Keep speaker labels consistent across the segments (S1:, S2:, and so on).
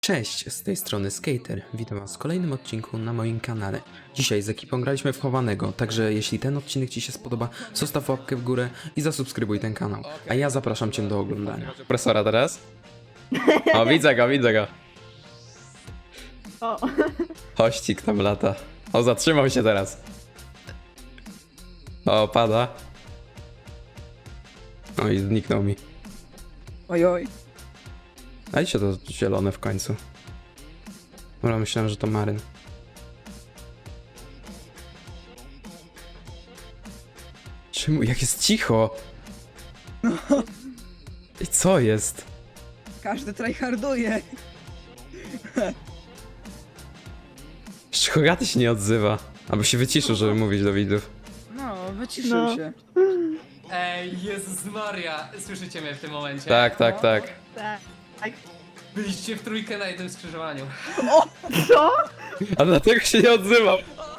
S1: Cześć, z tej strony Skater. Witam was w kolejnym odcinku na moim kanale. Dzisiaj z ekipą graliśmy w chowanego, także jeśli ten odcinek ci się spodoba, zostaw łapkę w górę i zasubskrybuj ten kanał. A ja zapraszam cię do oglądania. Profesora teraz? O, widzę go.
S2: O,
S1: Hościk tam lata. O, zatrzymał się teraz. O, pada. O, i zniknął mi.
S2: ojoj.
S1: Dajcie to zielone w końcu. Dobra, myślałem, że to maryn. Czemu? Jak jest cicho? I co jest?
S2: Każdy tryharduje.
S1: Jeszcze Hogaty się nie odzywa. Albo się wyciszył, żeby mówić do widzów.
S2: No, wyciszył się.
S3: Ej, Jezus Maria, słyszycie mnie w tym momencie?
S1: Tak.
S2: Tak.
S3: Byliście w trójkę na jednym skrzyżowaniu.
S2: Co?
S1: A dlatego się nie odzywał.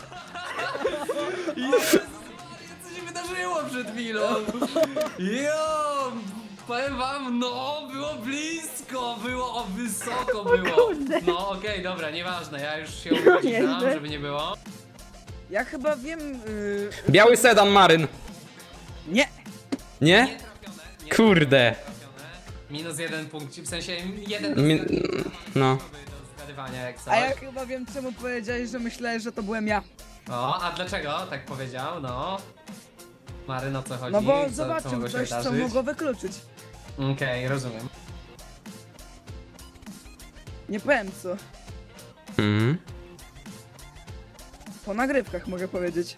S3: Jezus Maria, co się wydarzyło przed chwilą? Jo, powiem wam, no, było blisko, było wysoko było. No okej, dobra, nieważne, ja już się uważam,
S2: Nieźle.
S3: żeby nie było.
S2: Ja chyba wiem...
S1: Biały sedan maryn.
S2: Nie!
S1: Nie?
S3: Nietrafione,
S1: Kurde.
S3: nietrafione. Minus jeden punkt, w sensie jeden
S1: No.
S3: do zgadywania jak coś.
S2: A ja chyba wiem, czemu powiedziałeś, że myślałeś, że to byłem ja.
S3: O, a dlaczego tak powiedział? No. Maryn, o co chodzi?
S2: No bo
S3: co
S2: zobaczył
S3: mogło się
S2: coś, co
S3: wydarzyć?
S2: mogło wykluczyć.
S3: Okej, rozumiem.
S2: Nie powiem co.
S1: Mhm.
S2: Po nagrywkach mogę powiedzieć.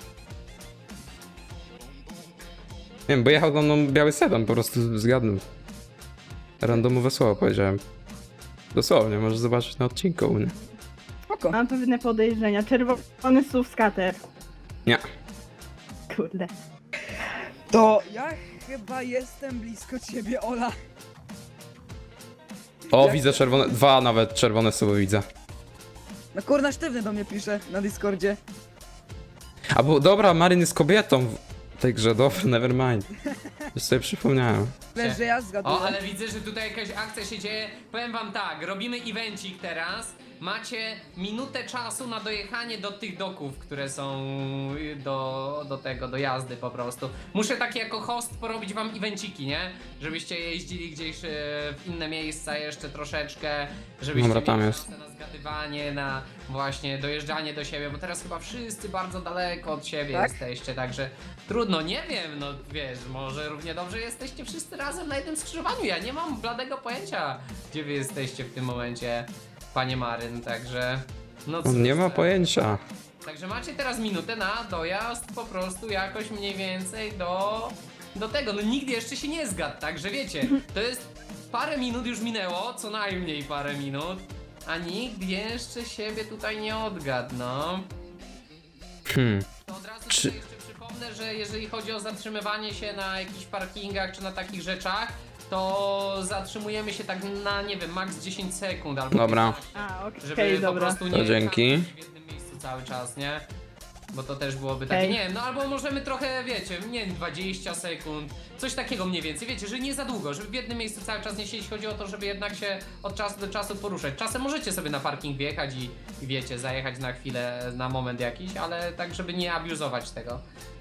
S1: Nie wiem, bo jechał za mną biały sedan, po prostu zgadnął. Randomowe słowo powiedziałem. Dosłownie, możesz zobaczyć na odcinku u mnie.
S2: Spoko.
S4: Mam pewne podejrzenia. Czerwony SUV skater.
S1: Nie.
S4: Kurde.
S2: To ja chyba jestem blisko ciebie, Ola.
S1: O,
S2: Jak-
S1: widzę czerwone, dwa nawet czerwone słowo widzę.
S2: No kurna, sztywny do mnie pisze na Discordzie.
S1: A bo dobra, Maryn jest kobietą w tej grze, dobra, nevermind. Już sobie przypomniałem.
S2: Wiesz, że ja zgaduję.
S3: O, ale widzę, że tutaj jakaś akcja się dzieje. Powiem wam tak, robimy evencik teraz. Macie minutę czasu na dojechanie do tych doków, które są do jazdy po prostu. Muszę tak jako host porobić wam evenciki, nie? Żebyście jeździli gdzieś w inne miejsca jeszcze troszeczkę, żebyście
S1: Dobra, tam
S3: mieli
S1: jest.
S3: szansę na zgadywanie, na właśnie dojeżdżanie do siebie, bo teraz chyba wszyscy bardzo daleko od siebie
S2: Tak?
S3: jesteście, także trudno, nie wiem, no wiesz, może równie dobrze jesteście wszyscy razem na jednym skrzyżowaniu, ja nie mam bladego pojęcia, gdzie wy jesteście w tym momencie, panie Maryn, także no cóż,
S1: On nie ma pojęcia.
S3: Także macie teraz minutę na dojazd po prostu jakoś mniej więcej do tego, no nikt jeszcze się nie zgadł, także wiecie, to jest parę minut już minęło, co najmniej parę minut, a nikt jeszcze siebie tutaj nie odgadł, no. To od razu
S1: Czy-
S3: tutaj jeszcze przypomnę, że jeżeli chodzi o zatrzymywanie się na jakichś parkingach czy na takich rzeczach, to zatrzymujemy się tak na, nie wiem, max 10 sekund albo
S1: Dobra.
S3: 15,
S4: A, okej,
S3: żeby po
S4: dobra.
S3: prostu
S1: To
S3: nie
S1: dzięki.
S3: stać w jednym miejscu cały czas, nie? Bo to też byłoby takie,
S4: Okej.
S3: nie wiem, no albo możemy trochę, wiecie, nie wiem, 20 sekund, coś takiego mniej więcej, wiecie, że nie za długo, żeby w jednym miejscu cały czas nie siedzieć, chodzi o to, żeby jednak się od czasu do czasu poruszać. Czasem możecie sobie na parking wjechać i wiecie, zajechać na chwilę, na moment jakiś, ale tak, żeby nie abuzować tego.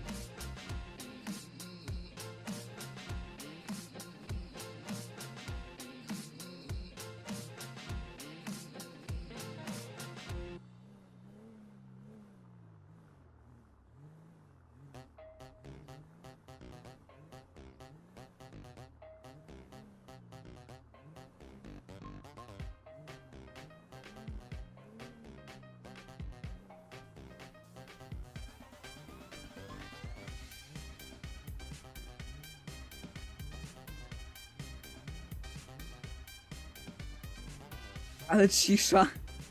S2: Ale cisza.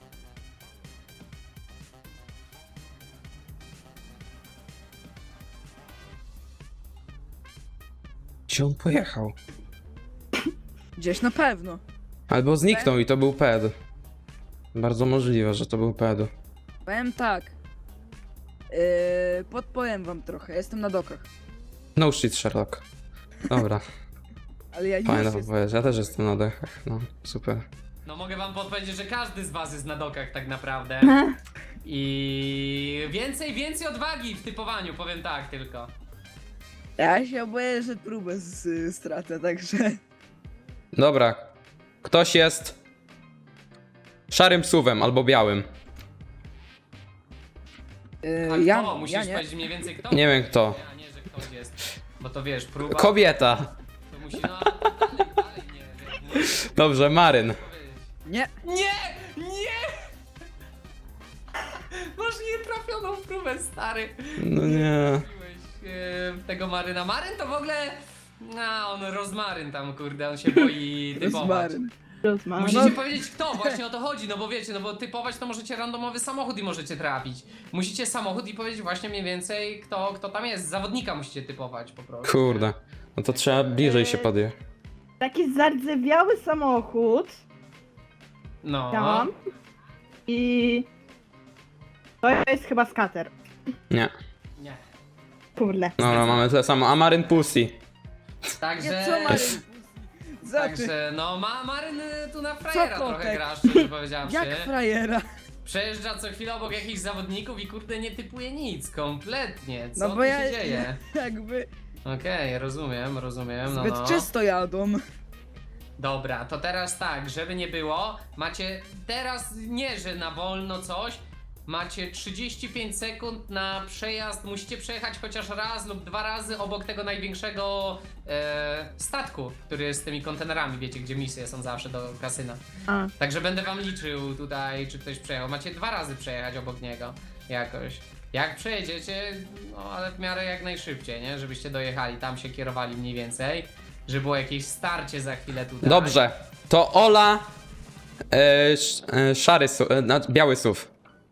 S1: Gdzie on pojechał?
S2: Gdzieś na pewno.
S1: Albo zniknął i to był ped. Bardzo możliwe, że to był ped.
S2: Powiem tak. Podpowiem wam trochę, jestem na dokach.
S1: No shit, Sherlock. Dobra,
S2: Ale ja już
S1: fajna
S2: jestem.
S1: odpowiedź. Ja też jestem na dechach, no super.
S3: No mogę wam podpowiedzieć, że każdy z was jest na dokach tak naprawdę. I więcej odwagi w typowaniu, powiem tak tylko.
S2: Ja się boję, że próbę stracę, także...
S1: Dobra. Ktoś jest szarym suwem albo białym.
S3: A
S2: Ja,
S3: kto? Musisz
S2: ja nie.
S3: powiedzieć mniej więcej kto?
S1: Nie wiem kto.
S3: A nie, że ktoś jest. Bo to wiesz, próba...
S1: Kobieta.
S3: To musi, no ale to dalej nie wiem.
S1: Dobrze, Maryn.
S2: Nie.
S3: Nie! Nie! Masz nietrafioną próbę, stary.
S1: No nie.
S3: Zrobiłeś, tego Maryna. Maryn to w ogóle... No, on rozmaryn tam, kurde, on się boi typować.
S2: Rozmaryn.
S4: Rozmawiam.
S3: Musicie powiedzieć kto, właśnie o to chodzi, no bo wiecie, no bo typować to możecie randomowy samochód i możecie trafić. Musicie samochód i powiedzieć właśnie mniej więcej kto tam jest. Zawodnika musicie typować po prostu.
S1: Kurde. No to trzeba bliżej się podje.
S4: Taki zardzewiały samochód
S3: No.
S4: miałam. I... To jest chyba skater.
S1: Nie.
S3: Nie.
S4: Kurde.
S1: Dobra, mamy tyle samo. A Maryn Pussy.
S3: Także...
S2: Nie, co Maryn? Za ty?
S3: Także, no Maryn tu na frajera
S2: Co
S3: trochę
S2: kotek?
S3: gra, szczerze powiedziawszy.
S2: Jak frajera?
S3: Przejeżdża co chwilę obok jakichś zawodników i kurde nie typuje nic, kompletnie. Co
S2: No bo
S3: tu
S2: ja
S3: się dzieje?
S2: jakby
S3: Okej, rozumiem, no
S2: zbyt
S3: no.
S2: czysto jadą.
S3: Dobra, to teraz tak, żeby nie było, macie teraz nie, że na wolno coś, macie 35 sekund na przejazd, musicie przejechać chociaż raz lub dwa razy obok tego największego statku, który jest z tymi kontenerami, wiecie, gdzie misje są zawsze do kasyna.
S4: A.
S3: Także będę wam liczył tutaj, czy ktoś przejechał. Macie dwa razy przejechać obok niego jakoś. Jak przejedziecie, no ale w miarę jak najszybciej, nie? Żebyście dojechali, tam się kierowali mniej więcej. Żeby było jakieś starcie za chwilę tutaj.
S1: Dobrze. To Ola. Szary suw. Biały suw.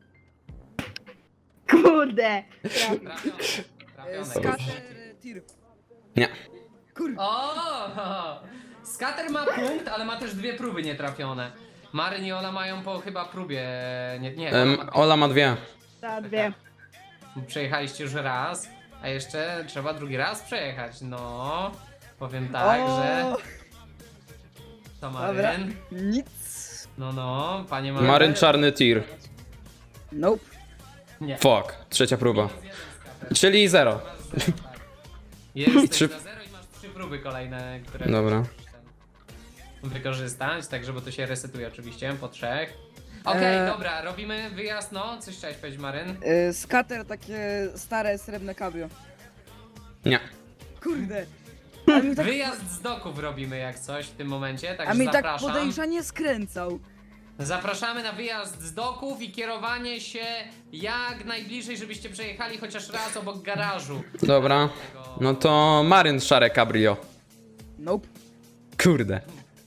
S4: Kurde.
S3: Trafione. Trafione.
S2: Skater tir.
S1: Nie.
S2: Kur...
S3: O! Skater ma punkt, ale ma też dwie próby nietrafione. Maryn i Ola mają po chyba próbie. Nie,
S1: Ola ma dwie.
S4: Za dwie.
S3: Przejechaliście już raz, a jeszcze trzeba drugi raz przejechać. No, powiem tak,
S2: O,
S3: że. To
S2: Dobra.
S3: Maryn.
S2: Nic.
S3: No, panie Maryn.
S1: Maryn czarny tir.
S2: Nope.
S3: Nie.
S1: Fuck. Trzecia próba. Czyli 0.
S3: Jesteś
S1: Trzy-
S3: na 0 i masz trzy próby kolejne, które
S1: Dobra.
S3: musisz wykorzystać, tak żeby to się resetuje oczywiście po trzech. Okej, dobra, robimy wyjazd, no, coś chciałeś powiedzieć, Maryn?
S2: Skater takie stare srebrne cabrio.
S1: Nie.
S2: Kurde. A mi tak,
S3: Wyjazd z doków robimy jak coś w tym momencie,
S2: a
S3: także
S2: mi tak
S3: zapraszam.
S2: podejrzanie skręcał.
S3: Zapraszamy na wyjazd z doków i kierowanie się jak najbliżej, żebyście przejechali chociaż raz obok garażu.
S1: Dobra. No to Maryn szare cabrio.
S2: Nope.
S1: Kurde.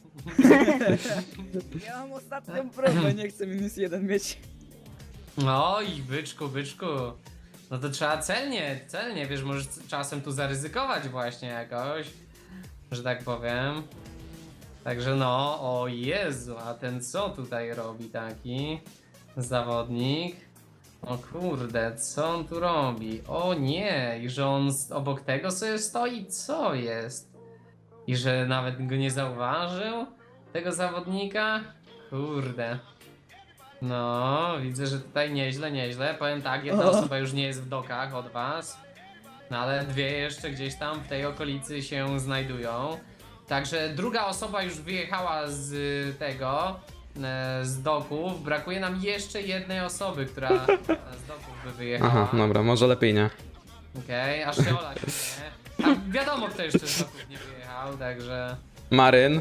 S2: Ja mam ostatnią próbę, nie chcę -1 mieć.
S3: Oj, byczku. No to trzeba celnie, wiesz, możesz czasem tu zaryzykować właśnie jakoś, że tak powiem. Także no, o Jezu, a ten co tutaj robi taki zawodnik? O kurde, co on tu robi? O nie, i że on obok tego sobie stoi, co jest? I że nawet go nie zauważył, tego zawodnika? Kurde. No, widzę, że tutaj nieźle. Powiem tak, jedna osoba już nie jest w dokach od was. No ale dwie jeszcze gdzieś tam w tej okolicy się znajdują. Także druga osoba już wyjechała z tego, z doków. Brakuje nam jeszcze jednej osoby, która z doków by wyjechała.
S1: Aha, dobra, może lepiej nie.
S3: Okej, aż się Ola śmieje. A wiadomo kto jeszcze z doków nie wyjechał, także...
S1: Maryn.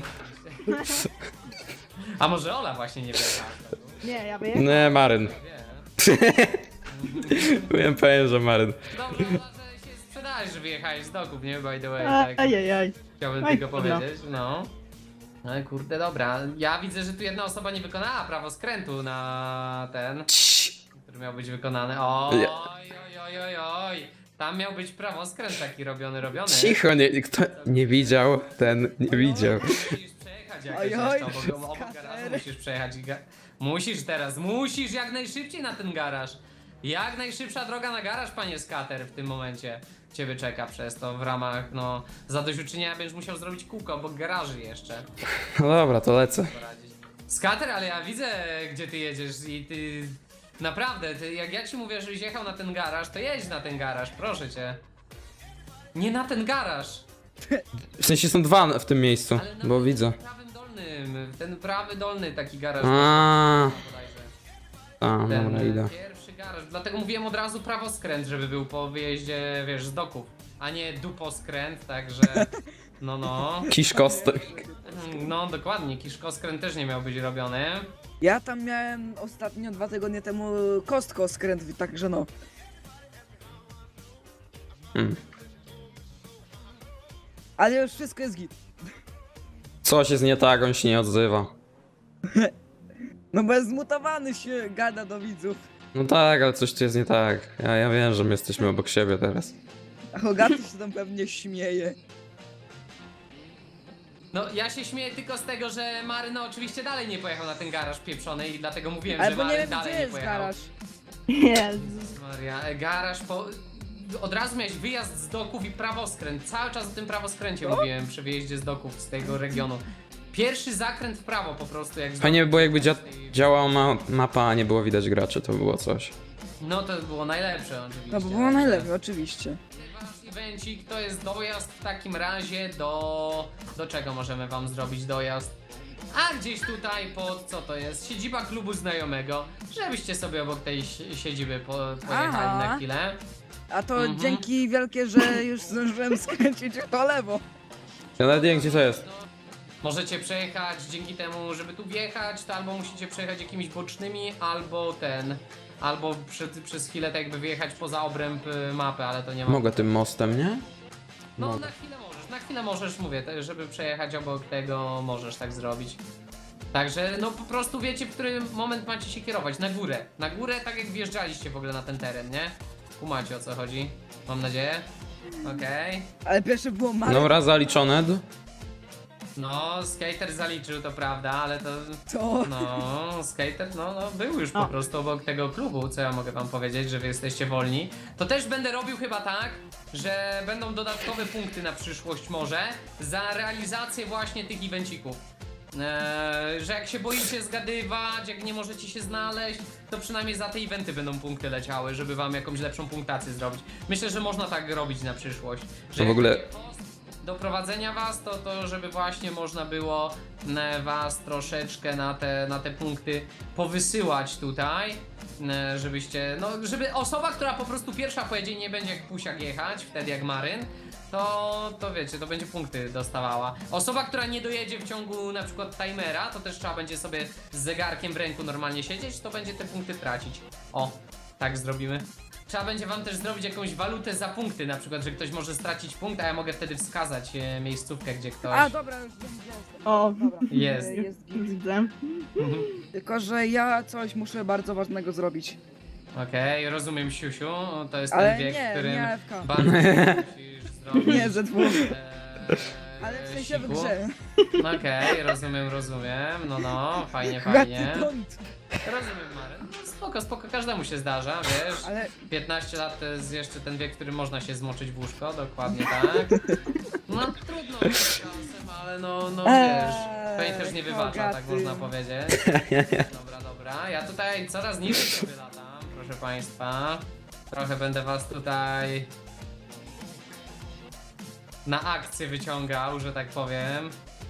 S3: A może Ola właśnie nie wyjechała z doków?
S4: Nie, ja wyjechałam.
S1: Nie, Maryn.
S3: Wie.
S1: Powiem, że Maryn.
S3: Dobrze, Ola, że się sprzedałeś, że wyjechałeś z doków, nie? By the way, tak.
S4: Ajajaj.
S3: Chciałbym
S4: Aj,
S3: tylko
S4: dobra.
S3: powiedzieć, no. Ale kurde, dobra. Ja widzę, że tu jedna osoba nie wykonała prawo skrętu na ten, który miał być wykonany. Oj. Tam miał być prawo skręt taki robiony.
S1: Cicho, nie, kto nie widział, ten nie widział.
S3: Musisz przejechać jakoś
S2: Oj,
S3: jeszcze obok garażu, musisz przejechać. Musisz jak najszybciej na ten garaż. Jak najszybsza droga na garaż, panie Skater, w tym momencie ciebie czeka przez to w ramach, no, zadośćuczynienia będziesz musiał zrobić kółko obok garaży jeszcze.
S1: No dobra, to lecę.
S3: Poradzić. Skater, ale ja widzę, gdzie ty jedziesz i ty... Naprawdę, ty, jak ja ci mówię, żebyś jechał na ten garaż, to jedź na ten garaż, proszę cię. Nie na ten garaż,
S1: W sensie są dwa w tym miejscu,
S3: ale na
S1: bo
S3: ten
S1: widzę.
S3: prawym dolnym, ten prawy dolny taki garaż.
S1: A,
S3: bodajże.
S1: a,
S3: Ten
S1: dobra, idę.
S3: pierwszy garaż, dlatego mówiłem od razu prawoskręt, żeby był po wyjeździe, wiesz, z doków, a nie duposkręt, także... No.
S1: Kiszkostek.
S3: No, dokładnie, kiszkoskręt też nie miał być robiony.
S2: Ja tam miałem ostatnio 2 tygodnie temu kostko skręt, także no.
S1: Hmm.
S2: Ale już wszystko jest git.
S1: Coś jest nie tak, on się nie odzywa.
S2: No bo jest zmutowany się gada do widzów.
S1: No tak, ale coś tu jest nie tak. Ja wiem, że my jesteśmy obok siebie teraz.
S2: A Hogaty się tam pewnie śmieje.
S3: No, ja się śmieję tylko z tego, że Maryna oczywiście dalej nie pojechał na ten garaż pieprzony i dlatego mówiłem,
S2: Ale
S3: że
S2: bo nie
S3: Maryn
S2: wiem
S3: dalej
S2: gdzie
S3: nie
S2: jest
S3: pojechał.
S2: garaż.
S4: Jezus.
S3: Maria, garaż po... Od razu miałeś wyjazd z doków i prawoskręt. Cały czas o tym prawoskręcie mówiłem przy wyjeździe z doków z tego regionu. Pierwszy zakręt w prawo po prostu jak z
S1: Fajnie by
S3: doków
S1: było, jakby
S3: tej-
S1: działała mapa, a nie było widać graczy, to by było coś.
S3: No to było najlepsze oczywiście.
S2: No bo było najlepiej, oczywiście.
S3: Wasz evencik to jest dojazd w takim razie do czego możemy wam zrobić dojazd? A gdzieś tutaj pod, co to jest? Siedziba klubu znajomego, żebyście sobie obok tej siedziby pojechali
S2: Aha.
S3: na chwilę.
S2: A to
S3: Mhm.
S2: dzięki wielkie, że już zdążyłem skręcić w to lewo.
S1: Ja nawet nie wiem, gdzie to jest.
S3: No, możecie przejechać dzięki temu, żeby tu wjechać, to albo musicie przejechać jakimiś bocznymi, albo przez chwilę tak jakby wyjechać poza obręb mapy, ale to nie ma.
S1: Mogę tym mostem, nie?
S3: No
S1: Mogę.
S3: na chwilę możesz, mówię, żeby przejechać obok tego, możesz tak zrobić. Także no po prostu wiecie, w którym moment macie się kierować, na górę tak jak wjeżdżaliście w ogóle na ten teren, nie? Kumacie o co chodzi, mam nadzieję. Okej.
S2: Ale pierwsze było małe.
S1: Dobra, zaliczone.
S3: No, skater zaliczył, to prawda, ale to...
S2: To.
S3: No, skater, no był już po
S4: O.
S3: prostu obok tego klubu, co ja mogę wam powiedzieć, że wy jesteście wolni. To też będę robił chyba tak, że będą dodatkowe punkty na przyszłość może za realizację właśnie tych evencików. Że jak się boicie zgadywać, jak nie możecie się znaleźć, to przynajmniej za te eventy będą punkty leciały, żeby wam jakąś lepszą punktację zrobić. Myślę, że można tak robić na przyszłość. Że
S1: To w
S3: jak
S1: ogóle-
S3: będzie post do prowadzenia was, to żeby właśnie można było was troszeczkę na te punkty powysyłać tutaj, żebyście, no żeby osoba, która po prostu pierwsza pojedzie, nie będzie jak pusiak jechać, wtedy jak Maryn, to wiecie, to będzie punkty dostawała. Osoba, która nie dojedzie w ciągu na przykład timera, to też trzeba będzie sobie z zegarkiem w ręku normalnie siedzieć, to będzie te punkty tracić. O, tak zrobimy. Trzeba będzie wam też zrobić jakąś walutę za punkty, na przykład, że ktoś może stracić punkt, a ja mogę wtedy wskazać miejscówkę, gdzie ktoś
S2: A dobra, już wiem gdzie jestem.
S4: O,
S2: Dobra.
S3: jest.
S2: Jest git.
S4: widzę.
S2: Tylko, że ja coś muszę bardzo ważnego zrobić.
S3: Okej, rozumiem, Siusiu, to jest
S2: Ale
S3: ten wiek,
S2: nie,
S3: w którym
S2: nie AFK.
S3: bardzo musisz zrobić.
S2: Nie, ze dwóch.
S3: e,
S2: Ale w sensie w
S3: siku.
S2: grze.
S3: Okej, rozumiem, no, fajnie.
S2: Hogaty don't.
S3: Rozumiem, Maryn. Spoko, każdemu się zdarza, wiesz.
S2: Ale
S3: 15 lat to jest jeszcze ten wiek, w którym można się zmoczyć w łóżko, dokładnie tak. No trudno czasem, ale no wiesz, pewnie też nie wybacza, tak
S2: Hogaty.
S3: można powiedzieć. Dobra, ja tutaj coraz niżej sobie latam, proszę państwa. Trochę będę was tutaj na akcję wyciągał, że tak powiem.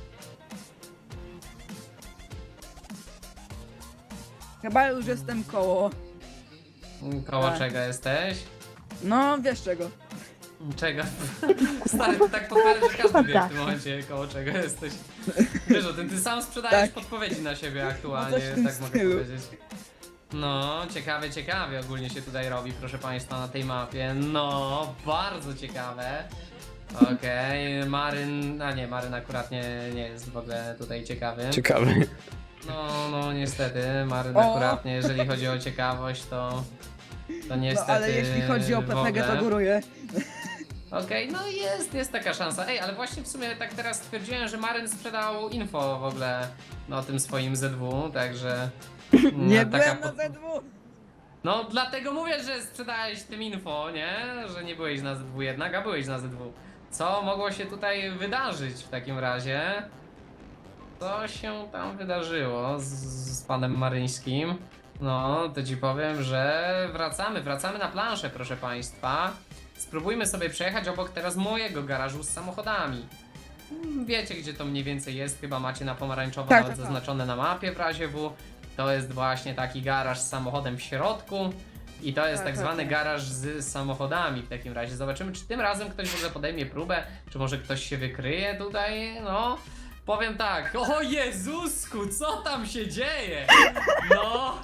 S2: chyba już jestem koło.
S3: Koło
S2: Tak.
S3: czego jesteś?
S2: No, wiesz czego.
S3: Czego? Stary, ty tak podpowiadasz, że każdy wie w
S4: Tak.
S3: tym momencie, koło czego jesteś. Wiesz o tym, ty sam sprzedajesz
S2: Tak.
S3: podpowiedzi na siebie aktualnie,
S2: No coś w tym
S3: tak mogę
S2: stylu.
S3: powiedzieć. No, ciekawie ogólnie się tutaj robi, proszę państwa, na tej mapie. No, bardzo ciekawe. Okej, Maryn, a nie, Maryn akurat nie jest w ogóle tutaj ciekawy.
S1: Ciekawe.
S3: No niestety, Maryn
S2: O!
S3: akurat nie, jeżeli chodzi o ciekawość, to
S2: No
S3: niestety
S2: ale jeśli chodzi o
S3: w
S2: PPG,
S3: ogóle.
S2: to góruję.
S3: Okej, no jest taka szansa. Ej, ale właśnie w sumie tak teraz stwierdziłem, że Maryn sprzedał info w ogóle o tym swoim ZW, także...
S2: Nie
S3: taka
S2: byłem na Z2.
S3: No dlatego mówię, że sprzedałeś tym info, nie? Że nie byłeś na ZW jednak, a byłeś na ZW. Co mogło się tutaj wydarzyć w takim razie? co się tam wydarzyło z panem Maryńskim. No, to ci powiem, że wracamy na planszę, proszę państwa. Spróbujmy sobie przejechać obok teraz mojego garażu z samochodami. Wiecie, gdzie to mniej więcej jest, chyba macie na pomarańczowo
S2: Tak,
S3: nawet
S2: tak, tak.
S3: zaznaczone na mapie w razie W. To jest właśnie taki garaż z samochodem w środku. I to jest
S2: Tak,
S3: tak
S2: tak,
S3: zwany
S2: tak.
S3: garaż z samochodami w takim razie. Zobaczymy, czy tym razem ktoś w ogóle podejmie próbę, czy może ktoś się wykryje tutaj, no. Powiem tak, o Jezusku, co tam się dzieje? No.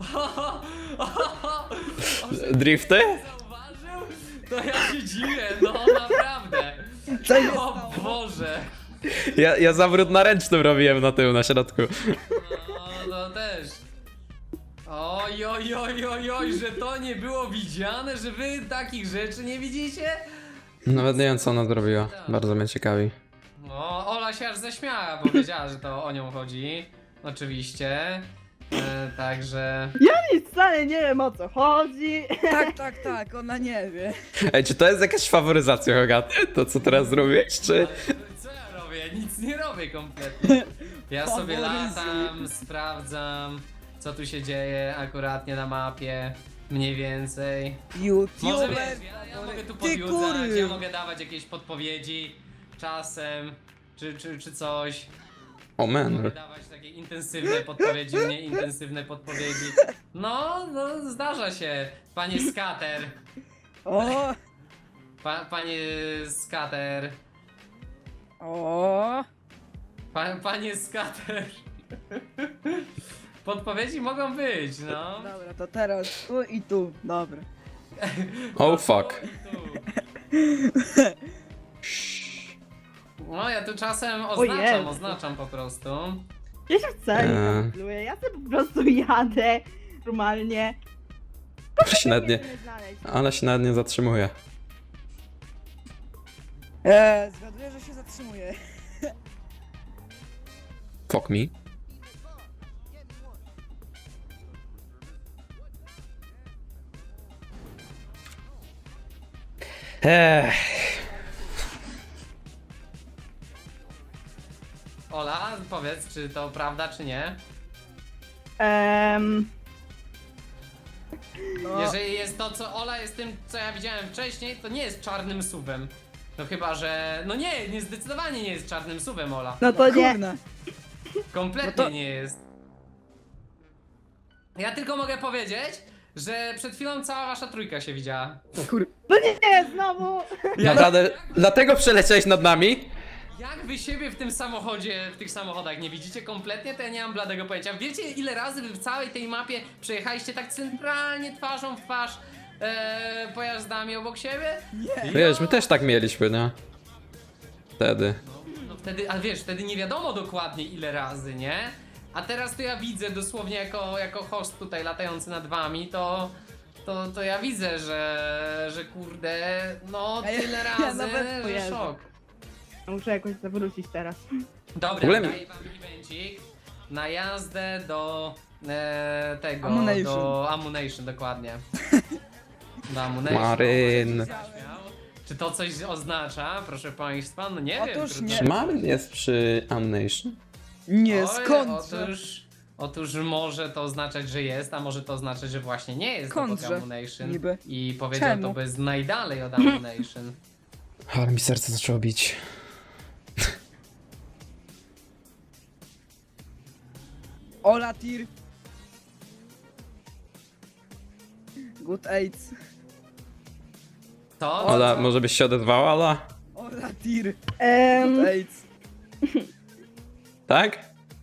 S1: Drifty?
S3: Zauważył? To ja się dziwię, no naprawdę.
S2: Co się
S3: O
S2: stało?
S3: Boże.
S1: Ja zawrót na ręcznym robiłem na tył, na środku.
S3: No też. Oj, że to nie było widziane, że wy takich rzeczy nie widzicie?
S1: Nawet nie wiem, co ona zrobiła. Bardzo mnie ciekawi.
S3: No, Ola się aż zaśmiała, bo wiedziała, że to o nią chodzi. Oczywiście. Także.
S4: Nic wcale nie wiem o co chodzi.
S2: Tak, ona nie wie.
S1: Ej, czy to jest jakaś faworyzacja, Hogaty? To, co teraz zrobisz, czy...
S3: Ale co ja robię? Nic nie robię kompletnie. Ja sobie
S2: Faworyzuj.
S3: latam, sprawdzam, co tu się dzieje akuratnie na mapie. Mniej więcej. Może
S2: YouTuber.
S3: wiesz, ja mogę tu
S2: Ty
S3: podjudzać,
S2: kury.
S3: ja mogę dawać jakieś podpowiedzi czasem, czy coś.
S1: O
S3: Mogę
S1: man.
S3: dawać takie intensywne podpowiedzi, mniej intensywne podpowiedzi. No, zdarza się, panie skater.
S2: O,
S3: Panie skater.
S2: o.
S3: Panie skater. Podpowiedzi mogą być, no.
S2: Dobra, to teraz tu i tu. Dobra.
S1: Oh fuck.
S3: No, ja tu czasem
S4: Jezu.
S3: oznaczam po prostu.
S4: Ja się wcale nie
S1: Eee.
S4: kontroluję, ja sobie po prostu jadę normalnie.
S1: Ale się nawet nie,
S4: Nie znaleźć.
S1: ale się nawet nie zatrzymuje.
S2: Zgaduję, że się zatrzymuje.
S1: Fuck me.
S3: Ola, powiedz, czy to prawda, czy nie?
S2: No,
S3: Jeżeli jest to, co Ola jest tym, co ja widziałem wcześniej, to nie jest czarnym suwem. No chyba, że... No nie, zdecydowanie nie jest czarnym suwem, Ola.
S4: No to nie.
S2: kurna.
S3: Kompletnie
S2: No to-
S3: nie jest. Ja tylko mogę powiedzieć, że przed chwilą cała wasza trójka się widziała.
S4: No nie, znowu.
S1: Naprawdę, dlatego przeleciałeś nad nami?
S3: Jak wy siebie w tym samochodzie, w tych samochodach nie widzicie kompletnie, to ja nie mam bladego pojęcia. Wiecie, ile razy wy w całej tej mapie przejechaliście tak centralnie twarzą w twarz pojazdami obok siebie?
S2: Nie.
S1: Wiesz, my też tak mieliśmy, nie? Wtedy.
S3: No wtedy, ale wiesz, wtedy nie wiadomo dokładnie ile razy, nie? A teraz to ja widzę dosłownie jako host tutaj latający nad wami, to ja widzę, że kurde, no
S2: A ja-
S3: tyle
S2: ja
S3: razy,
S2: nawet
S3: że
S4: pojadę.
S3: szok.
S4: Muszę jakoś zawrócić teraz.
S3: Dobra,
S1: W ogóle-
S3: daję wam evencik na jazdę do tego,
S2: Ammunition.
S3: do Ammunition, dokładnie. Do Ammunition.
S1: Maryn.
S3: Śmiał. Czy to coś oznacza, proszę państwa? No nie wiem.
S2: Otóż
S3: trudno.
S2: nie.
S1: Czy Maryn jest przy Ammunition?
S2: Nie,
S3: Oj,
S2: skądże?
S3: Otóż może to oznaczać, że jest, a może to oznaczać, że właśnie nie jest obok
S2: Skądże?
S3: Ammunition.
S2: Niby.
S3: I powiedział
S2: Czemu?
S3: to bez najdalej od Ammunition.
S1: Ale mi serce zaczęło bić.
S2: Ola Tir. Good AIDS.
S3: To?
S1: Ola, może byś się odezwała, Ola?
S2: Ola Tir.
S4: Em,
S2: Good AIDS.
S1: Tak?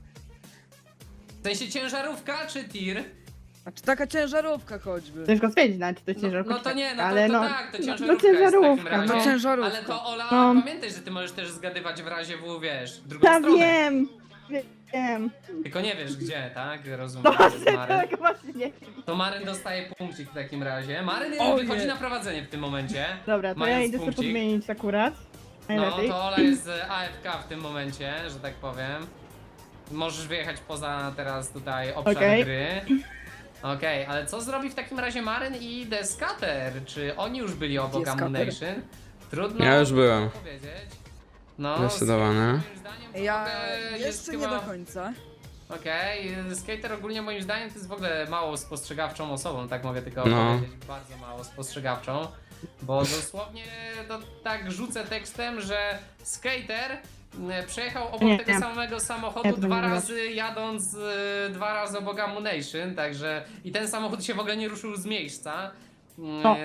S3: W sensie ciężarówka czy tir?
S2: Znaczy taka ciężarówka choćby.
S4: ciężko stwierdzić, nawet czy to jest
S3: No,
S4: ciężarówka.
S3: no to nie, no to,
S4: ale
S3: to
S4: no,
S3: tak, to
S4: no,
S3: ciężarówka,
S4: no ciężarówka,
S3: jest w takim razie.
S2: To ciężarówka.
S3: Ale to Ola,
S4: No.
S3: pamiętaj, że ty możesz też zgadywać w razie W, wiesz, w drugą
S4: Ja
S3: stronę.
S4: wiem.
S3: Tylko nie wiesz gdzie, tak? Rozumiem,
S4: No
S3: że jest
S4: właśnie,
S3: Maryn.
S4: tak właśnie nie wiem.
S3: To Maryn dostaje punkcik w takim razie. Maryn
S2: Ojej.
S3: wychodzi na prowadzenie w tym momencie.
S4: Dobra, to ja
S3: Mając
S4: idę sobie
S3: punkcik.
S4: podmienić akurat.
S3: No
S4: Najlepiej.
S3: to Ola jest AFK w tym momencie, że tak powiem. Możesz wyjechać poza teraz tutaj obszar
S4: Okej.
S3: gry. Okej, ale co zrobi w takim razie Maryn i The Scatter? Czy oni już byli obok
S2: Gdzie Scatter?
S3: Ammunition? Trudno
S1: Ja już byłem.
S3: powiedzieć. No,
S1: Zdecydowanie.
S3: moim zdaniem
S2: Ja
S3: w ogóle jest
S2: jeszcze nie
S3: chyba...
S2: do końca.
S3: Okej, Skater ogólnie moim zdaniem to jest w ogóle mało spostrzegawczą osobą, tak mogę tylko
S1: No.
S3: powiedzieć, bardzo mało spostrzegawczą, bo dosłownie to tak rzucę tekstem, że Skater przejechał obok
S4: Nie,
S3: tego
S4: nie.
S3: samego
S4: Ja
S3: samochodu
S4: to
S3: dwa
S4: nie
S3: razy jadąc 2 razy obok Ammunition, także i ten samochód się w ogóle nie ruszył z miejsca.
S4: O.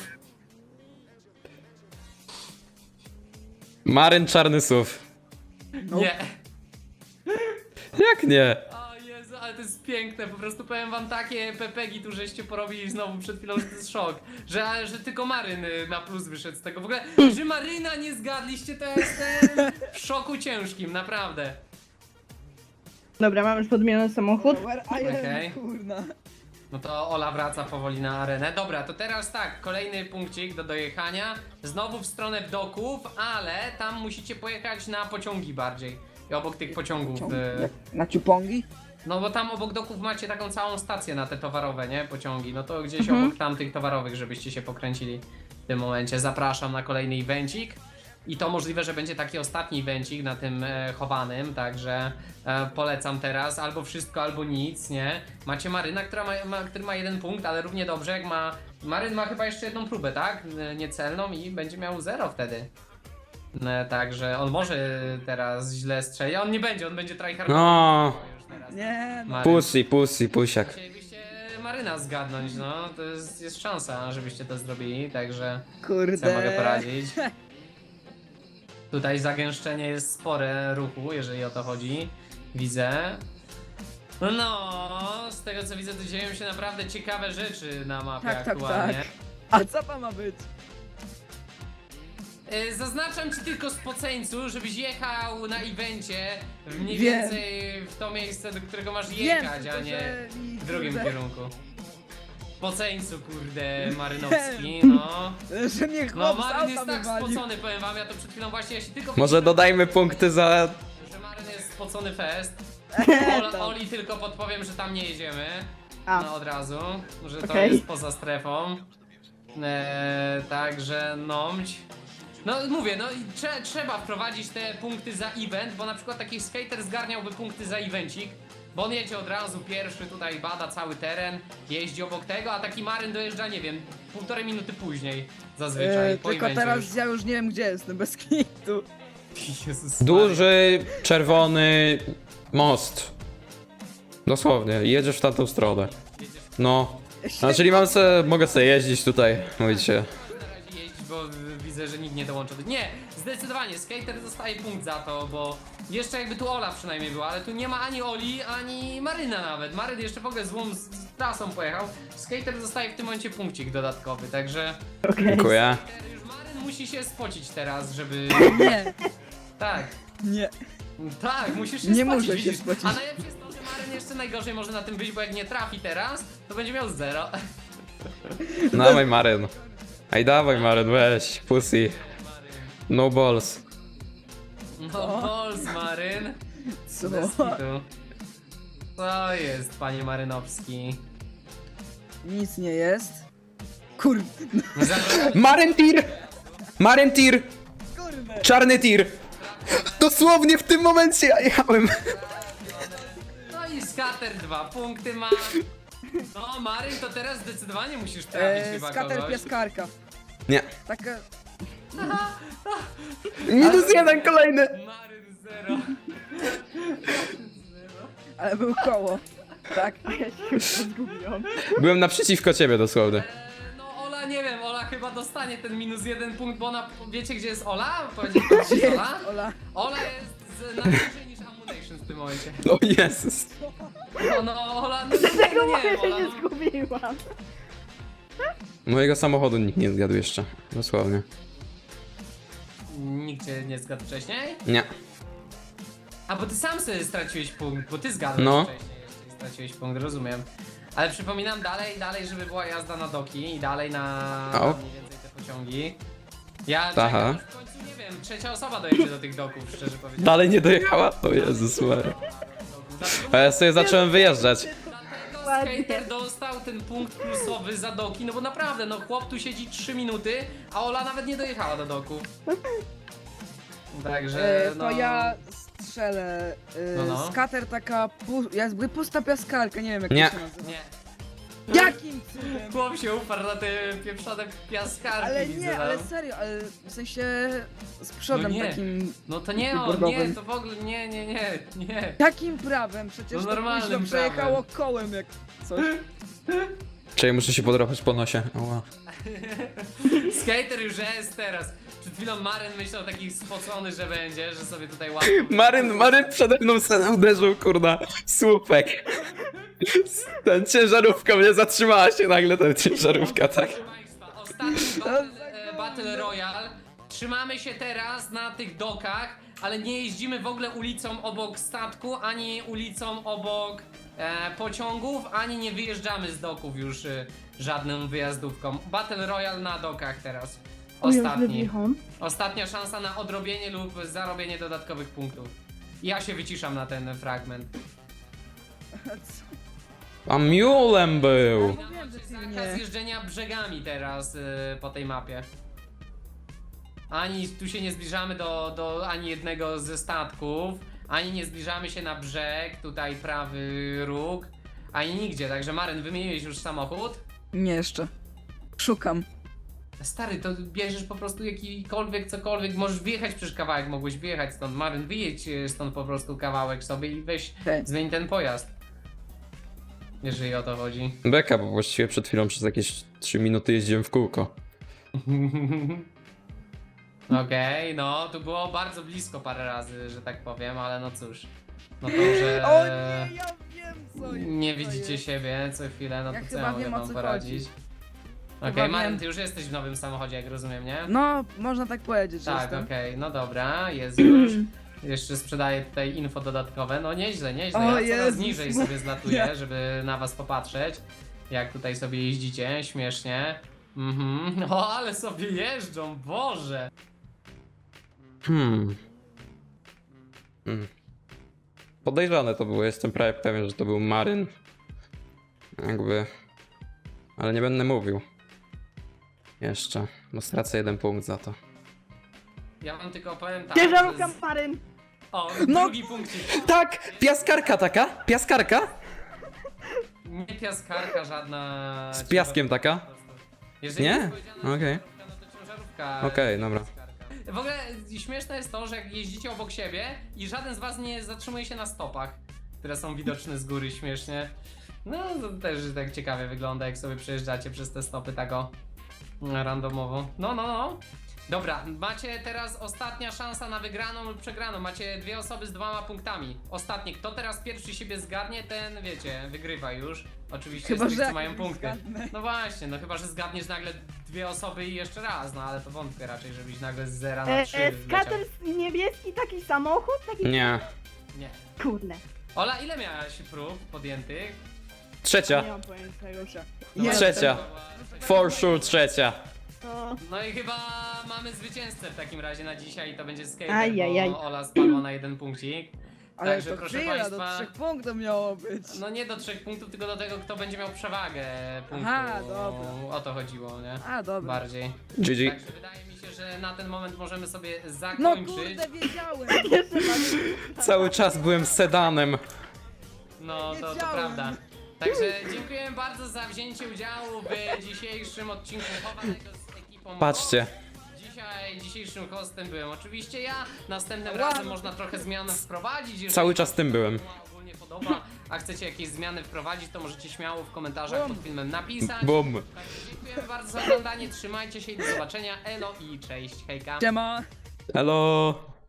S1: Maryn Czarny SUV.
S3: Nie.
S1: Jak nie?
S3: O Jezu, ale to jest piękne, po prostu powiem wam takie pepegi tu żeście porobili znowu przed chwilą, że to jest szok, że tylko Maryn na plus wyszedł z tego, w ogóle, że Maryna nie zgadliście, to jestem w szoku ciężkim, naprawdę.
S4: Dobra, mam już podmieniony samochód.
S2: Where I am,
S3: Okej.
S2: kurna.
S3: No to Ola wraca powoli na arenę. Dobra, to teraz tak, kolejny punkcik do dojechania, znowu w stronę doków, ale tam musicie pojechać na pociągi bardziej. I obok tych pociągów.
S2: Na ciupongi?
S3: No bo tam obok doków macie taką całą stację na te towarowe, nie? Pociągi. No to gdzieś
S4: Mhm.
S3: obok tamtych towarowych, żebyście się pokręcili w tym momencie. Zapraszam na kolejny evencik. I to możliwe, że będzie taki ostatni evencik na tym chowanym, także polecam teraz albo wszystko, albo nic, nie? Macie Maryna, który ma 1 punkt, ale równie dobrze jak ma... Maryn ma chyba jeszcze jedną próbę, tak? Niecelną i będzie miał 0 wtedy. Także on może teraz źle strzelić, on nie będzie, on będzie tryhardował.
S1: No.
S3: Już teraz.
S2: Nie, no.
S3: Maryn.
S1: Pusiak.
S3: Chcielibyście Maryna zgadnąć, no to jest szansa, żebyście to zrobili, także
S2: Kurde.
S3: co mogę poradzić. Tutaj zagęszczenie jest spore ruchu, jeżeli o to chodzi, widzę. No, z tego co widzę, to dzieją się naprawdę ciekawe rzeczy na mapie
S2: Tak, tak,
S3: aktualnie.
S2: tak. A co to ma być?
S3: Zaznaczam ci tylko z poceńcu, żebyś jechał na evencie mniej
S2: Wiem.
S3: więcej w to miejsce, do którego masz
S2: Wiem,
S3: jechać,
S2: tylko
S3: a nie
S2: że mi,
S3: w drugim
S2: kurde,
S3: kierunku. Poceńcu, kurde, Marynowski, no.
S2: Że mnie
S3: No,
S2: chłop z
S3: Maryn
S2: auta
S3: jest tak
S2: wywalił.
S3: spocony, powiem wam, ja to przed chwilą właśnie, ja się tylko...
S1: Może dodajmy punkty za...
S3: Że Maryn jest spocony fest.
S2: tam.
S3: Oli tylko podpowiem, że tam nie jedziemy.
S4: A.
S3: No od razu, że to
S4: Okej.
S3: jest poza strefą. Także nomć. No mówię, no i trzeba wprowadzić te punkty za event, bo na przykład taki skater zgarniałby punkty za evencik, bo on jedzie od razu pierwszy, tutaj bada cały teren, jeździ obok tego, a taki Maryn dojeżdża, nie wiem, 1,5 minuty później zazwyczaj po
S2: Tylko
S3: evencie
S2: teraz ja już nie wiem gdzie jestem, bez kitu.
S3: już. Jezus Maria.
S1: Duży, czerwony most. Dosłownie, jedziesz w tamtą stronę. No. A czyli mogę sobie jeździć tutaj, mówicie.
S3: Na razie jeździć, bo widzę, że nikt nie dołączył. Nie, zdecydowanie, skater dostaje punkt za to, bo jeszcze jakby tu Ola przynajmniej była, ale tu nie ma ani Oli, ani Maryna nawet. Maryn jeszcze w ogóle złą z trasą pojechał. Skater dostaje w tym momencie punkcik dodatkowy, także
S4: Okej.
S1: Dziękuję.
S3: już Maryn musi się spocić teraz, żeby...
S2: Nie,
S3: Tak,
S2: nie.
S3: tak, musisz się
S2: Nie
S3: spocić,
S2: muszę się
S3: widzisz?
S2: spocić.
S3: A najlepsze jest to, że Maryn jeszcze najgorzej może na tym być, bo jak nie trafi teraz, to będzie miał 0.
S1: Dawaj Maryn. Ej, dawaj Maryn, weź, pussy. No balls.
S3: No, balls, Maryn.
S2: Co?
S3: Bez kitu. Co jest, panie Marynowski?
S2: Nic nie jest. Kurde.
S1: Maryn tir! Maryn tir!
S2: Kurde.
S1: Czarny tir! Dosłownie w tym momencie ja jechałem.
S3: No i skater 2 punkty ma. No, Maryn, to teraz zdecydowanie musisz trafić chyba
S2: Skater
S3: kogoś.
S2: piaskarka.
S1: Nie.
S2: Taka...
S1: -1 kolejny.
S3: Maryn 0.
S2: Ale był koło. Tak.
S4: Ja się już zgubiłam.
S1: Byłem naprzeciwko ciebie dosłownie.
S3: No, Ola, nie wiem, Ola chyba dostanie ten -1 punkt, bo ona, wiecie gdzie jest Ola? Powiedzieć pan, gdzie jest Ola?
S2: Ola.
S3: Ola jest na niżej niż Ammunition w tym momencie.
S1: O Jezus.
S3: No, Ola, no,
S4: Dlatego
S3: no,
S4: mówię,
S3: nie,
S4: że
S3: Ola,
S4: się
S3: no.
S4: zgubiłam.
S1: Mojego samochodu nikt nie zgadł jeszcze. Dosłownie.
S3: Nikt cię nie zgadł wcześniej?
S1: Nie.
S3: A bo ty sam sobie straciłeś punkt, bo ty zgadłeś
S1: No.
S3: wcześniej jeszcze i straciłeś punkt, rozumiem. Ale przypominam dalej, żeby była jazda na doki i dalej na
S1: O.
S3: mniej więcej te pociągi. Ja
S1: Aha.
S3: czekam, aż w końcu, nie wiem, trzecia osoba dojedzie do tych doków, szczerze powiedziawszy.
S1: Dalej nie dojechała? O Jezus Maria.
S3: Dlatego,
S1: A ja sobie zacząłem wyjeżdżać.
S3: dlatego
S4: Ładnie.
S3: skater dostał ten punkt plusowy za doki, no bo naprawdę, no chłop tu siedzi 3 minuty, a Ola nawet nie dojechała do doku. Także
S2: To ja strzelę.
S3: No.
S2: Skater taka jakby pusta piaskarka, nie wiem jak
S1: Nie.
S2: to się nazywa.
S3: Nie.
S2: Jakim cudem?
S3: Chłop się uparł na te pieprzone piaskarki,
S2: Ale
S3: widzę
S2: nie,
S3: tam.
S2: ale serio, ale w sensie z przodem
S3: No nie.
S2: takim.
S3: No to nie on, nie,
S2: bordowym.
S3: to w ogóle nie.
S2: Jakim prawem? Przecież
S3: No
S2: to
S3: normalnym
S2: późno przejechało kołem jak coś.
S1: Czyli muszę się podrapać po nosie. Ała.
S3: Skater już jest teraz. Przed chwilą Maryn myślał taki spocony, że będzie, że sobie tutaj łatwo...
S1: Maryn przede mną uderzył, kurna, słupek. Ten ciężarówka mnie zatrzymała się nagle, ten ciężarówka, tak.
S3: Proszę Państwa, ostatni Battle Royale. Trzymamy się teraz na tych dokach, ale nie jeździmy w ogóle ulicą obok statku, ani ulicą obok pociągów, ani nie wyjeżdżamy z doków już żadną wyjazdówką. Battle Royale na dokach teraz. Ostatni. Ostatnia szansa na odrobienie lub zarobienie dodatkowych punktów. Ja się wyciszam na ten fragment.
S1: A mulem był.
S2: Wiem, że ty
S3: Zakaz
S2: nie.
S3: jeżdżenia brzegami teraz po tej mapie. Ani tu się nie zbliżamy do ani jednego ze statków, ani nie zbliżamy się na brzeg, tutaj prawy róg, ani nigdzie. Także Maryn, wymieniłeś już samochód?
S2: Nie jeszcze. Szukam.
S3: Stary, to bierzesz po prostu jakikolwiek, cokolwiek, możesz wyjechać przecież kawałek, mogłeś wyjechać stąd. Maryn, wyjedź stąd po prostu kawałek sobie i weź,
S2: Okej.
S3: zmień ten pojazd. Jeżeli o to chodzi.
S1: Beka, bo właściwie przed chwilą przez jakieś 3 minuty jeździłem w kółko.
S3: Okej, no, tu było bardzo blisko parę razy, że tak powiem, ale no cóż. No to, że
S2: O nie, ja wiem co
S3: nie
S2: co
S3: widzicie
S2: jest.
S3: siebie co chwilę, no
S2: Ja
S3: to co
S2: chyba
S3: ja mogę
S2: wiem, o
S3: wam
S2: co
S3: poradzić?
S2: chodzi.
S3: Okej,
S2: Chyba
S3: Maryn,
S2: wiem.
S3: ty już jesteś w nowym samochodzie, jak rozumiem, nie?
S2: No, można tak powiedzieć, że
S3: Tak,
S2: jestem.
S3: okej, no dobra, jest już. Jeszcze sprzedaję tutaj info dodatkowe. No nieźle, nieźle.
S2: O
S3: Ja coraz
S2: Jezus
S3: niżej
S2: Maria.
S3: sobie zlatuję, żeby na was popatrzeć. Jak tutaj sobie jeździcie, śmiesznie. O, ale sobie jeżdżą, Boże!
S1: Podejrzane to było, jestem prawie pewien, że to był Maryn. Jakby... Ale nie będę mówił. Jeszcze, bo stracę 1 punkt za to.
S3: Ja wam tylko powiem tak.
S4: Ciężarówka
S3: że
S4: Maryn!
S3: O,
S2: No.
S3: drugi punkcik.
S1: Tak! Piaskarka taka? Piaskarka?
S3: Nie piaskarka żadna.
S1: Z piaskiem taka?
S3: Jeżeli
S1: Nie?
S3: jest powiedziane
S1: Okej.
S3: ciężarówka, no to ciężarówka.
S1: Okej, dobra.
S3: Piaskarka. W ogóle śmieszne jest to, że jak jeździcie obok siebie i żaden z was nie zatrzymuje się na stopach, które są widoczne z góry śmiesznie. No to też tak ciekawie wygląda, jak sobie przejeżdżacie przez te stopy tak o randomowo. No. Dobra, macie teraz ostatnia szansa na wygraną lub przegraną. Macie 2 osoby z 2 punktami. Ostatnie, kto teraz pierwszy siebie zgadnie, ten wiecie, wygrywa już. Oczywiście
S2: Chyba,
S3: z tych,
S2: że
S3: co mają
S2: jak
S3: punkty.
S2: zgadnę.
S3: No właśnie, no chyba, że zgadniesz nagle 2 osoby i jeszcze raz, no ale to wątpię raczej, żebyś nagle z 0 na 3
S4: Skater niebieski, taki samochód? Taki...
S1: Nie.
S3: Nie.
S4: Kurde.
S3: Ola, ile miałaś prób podjętych?
S4: Nie
S1: Trzecia.
S4: mam pojęcia już.
S3: No
S2: Jest.
S1: Trzecia. For sure trzecia.
S4: No,
S3: No i chyba mamy zwycięzcę w takim razie na dzisiaj i to będzie Skater,
S4: Ajajaj.
S3: bo Ola spadła na 1 punkcik.
S2: Ale
S3: Także
S2: to
S3: proszę
S2: chwila,
S3: państwa,
S2: do 3 punktów miało być.
S3: no nie do 3 punktów, tylko do tego, kto będzie miał przewagę punktu.
S2: Aha, dobra.
S3: O to chodziło, nie?
S2: A, dobra.
S3: Bardziej.
S1: GG.
S3: Także wydaje mi się, że na ten moment możemy sobie
S2: No
S3: zakończyć.
S2: kurde, wiedziałem.
S1: Cały czas byłem sedanem.
S3: No, to
S2: Wiedziałem.
S3: prawda. Także dziękuję bardzo za wzięcie udziału w dzisiejszym odcinku chowanego z ekipą.
S1: Patrzcie.
S3: Dzisiejszym hostem byłem oczywiście ja. Następnym
S2: Wow.
S3: razem można trochę zmian wprowadzić. Jeżeli
S1: Cały czas tym byłem.
S3: wam się ogólnie podoba, a chcecie jakieś zmiany wprowadzić, to możecie śmiało w komentarzach pod filmem napisać.
S1: Bum.
S3: Także dziękujemy bardzo za oglądanie, trzymajcie się i do zobaczenia. Elo i cześć, hejka.
S2: Siema.
S1: Hello.